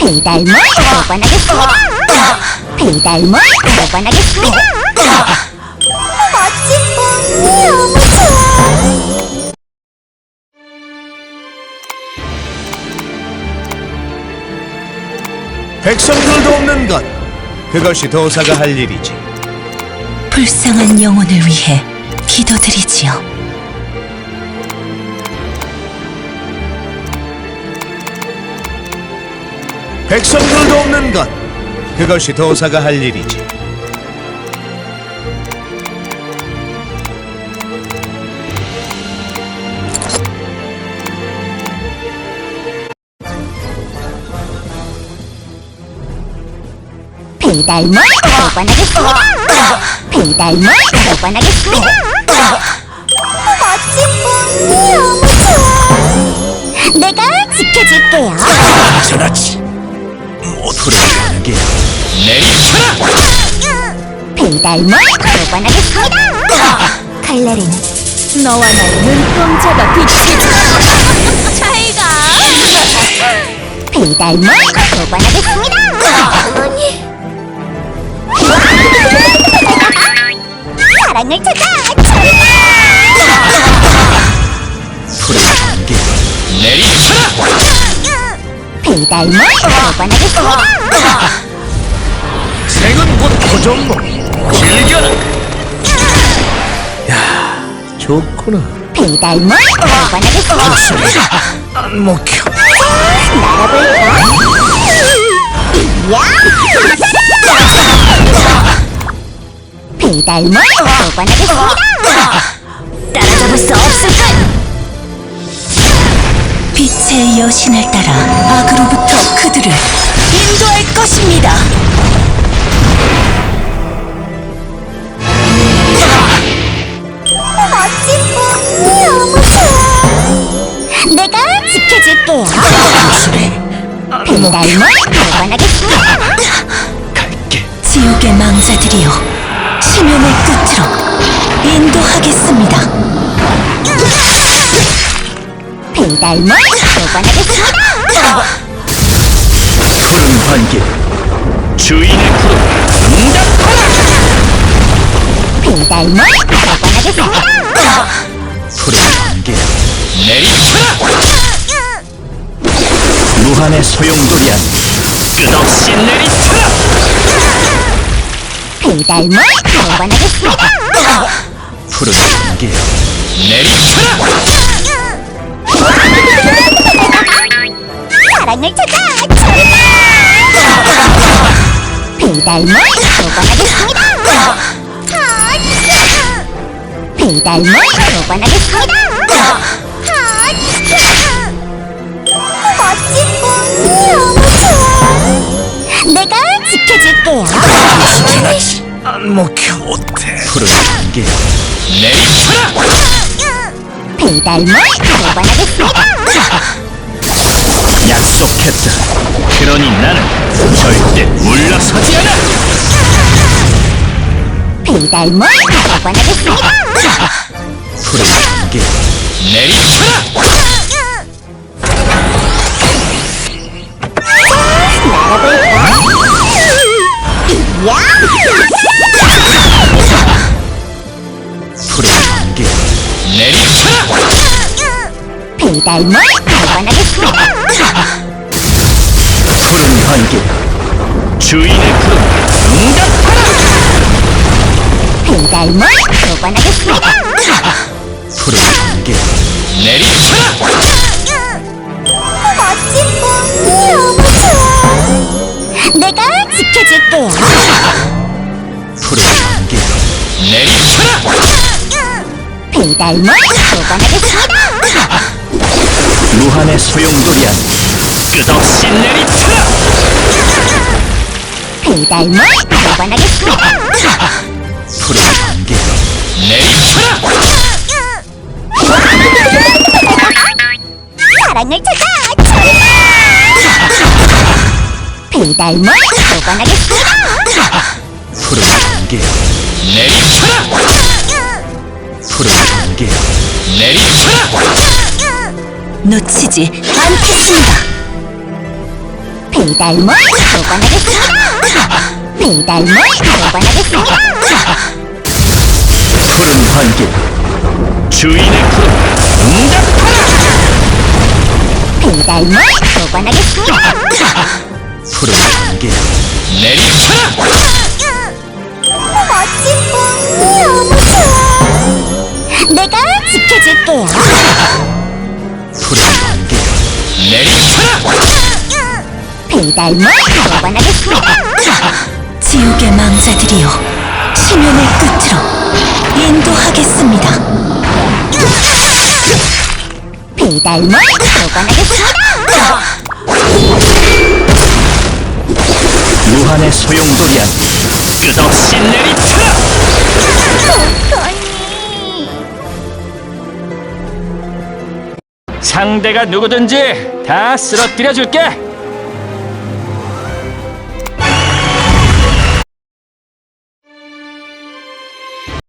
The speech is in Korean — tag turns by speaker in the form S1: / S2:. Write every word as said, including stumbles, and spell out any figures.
S1: 배달물 보관하겠습니다. 배달물 보관하겠습니다. 멋진 분 너무 좋아.
S2: 백성들도 없는 것, 그것이 도사가 할 일이지.
S3: 불쌍한 영혼을 위해 기도드리지요.
S2: 백성들도 없는 것, 그것이 도사가 할 일이지.
S1: 배달물 보관하겠습니다. 배달물 보관하겠습니다. 멋진 분 너무 좋아. 내가 지켜줄게요.
S2: 전하치 모두를 하는 게 내리쳐라.
S1: 배달물 보관하겠습니다. 칼날에는 너와 나의 눈동자가 비치지. 차이가. 배달물 보관하겠습니다. 어머니. 사랑을 찾아 저리가.
S2: 불을 하는 게 내리쳐라.
S1: 배달물 보관하겠습니다.
S2: 생은 곧 고정모. 즐겨라. 야, 좋구나.
S1: 배달물 보관하겠습니다.
S2: 안 먹혀.
S1: 날아볼까? 야! 배달물 보관하겠습니다. 따라잡을 수 없을까?
S3: 빛의 여신을 따라 악으로부터 그들을 인도할 것입니다.
S1: 멋진 분 너무 좋아. 내가 지켜줄게요. 배달물 보관하겠습니다.
S2: 갈게.
S3: 지옥의 망자들이여, 심연의 끝으로 인도하겠습니다.
S1: 배달물 보관하겠습니다.
S2: 푸른 반길. 주인의 푸른 응답하라.
S1: 배달물 보관하겠습니다.
S2: 푸른 반길. 내리쳐라. 무한의 소용돌이한 끝없이 내리쳐라.
S1: 배달물 보관하겠습니다.
S2: 푸른 반길. 내리쳐라.
S1: 사랑을 찾아 저리가. 배달물 보관하겠습니다. 배달물 보관하겠습니다. 멋진 분 너무 좋아. 내가 지켜줄게요.
S2: 안 먹혀. 못해. 푸른 반길. 내리쳐라.
S1: 배달물 보관하겠습니다.
S2: 약속했다. 그러니 나는 절대 물러서지 않아.
S1: 배달물 보관하겠습니다.
S2: 푸른 반길. 내리쳐라.
S1: 날아볼까? 야!
S2: 푸른 반길. 내리쳐라.
S1: 배달물 보관하겠습니다.
S2: 푸른 반길. 주인의 푸른 응답하라.
S1: 배달물 보관하겠습니다.
S2: 푸른 반길. 내리쳐라.
S1: 멋진 분 너무 좋아. 내가 지켜줄게요.
S2: 푸른 반길. 내리쳐라.
S1: 배달물 보관하겠습니다.
S2: 무한의 소용돌이한 끝없이 내리쳐라.
S1: 배달물 보관하겠습니다.
S2: 푸른 반길. 내리쳐라.
S1: 사랑을 찾아 저리가. 배달물 보관하겠습니다.
S2: 푸른 반길. 내리쳐라. 푸른 반길. 내리쳐라.
S3: 놓치지 않겠습니다.
S1: 배달물 보관하겠습니다. 배달물 보관하겠습니다.
S4: 푸른 반길 주인의 푸른 응답하라.
S1: 배달물 보관하겠습니다.
S4: 푸른 반길 내리쳐라.
S1: 멋진 꿈 너무 좋아. 내가 지켜줄게요.
S4: 푸른 반길 내리쳐라.
S1: 배달물 보관하겠습니다.
S3: 지옥의 망자들이여, 심연의 끝으로 인도하겠습니다.
S1: 배달물 보관하겠습니다.
S4: 무한의 소용돌이한 끝없이 내리쳐라. 상대가 누구든지 다 쓰러뜨려 줄게.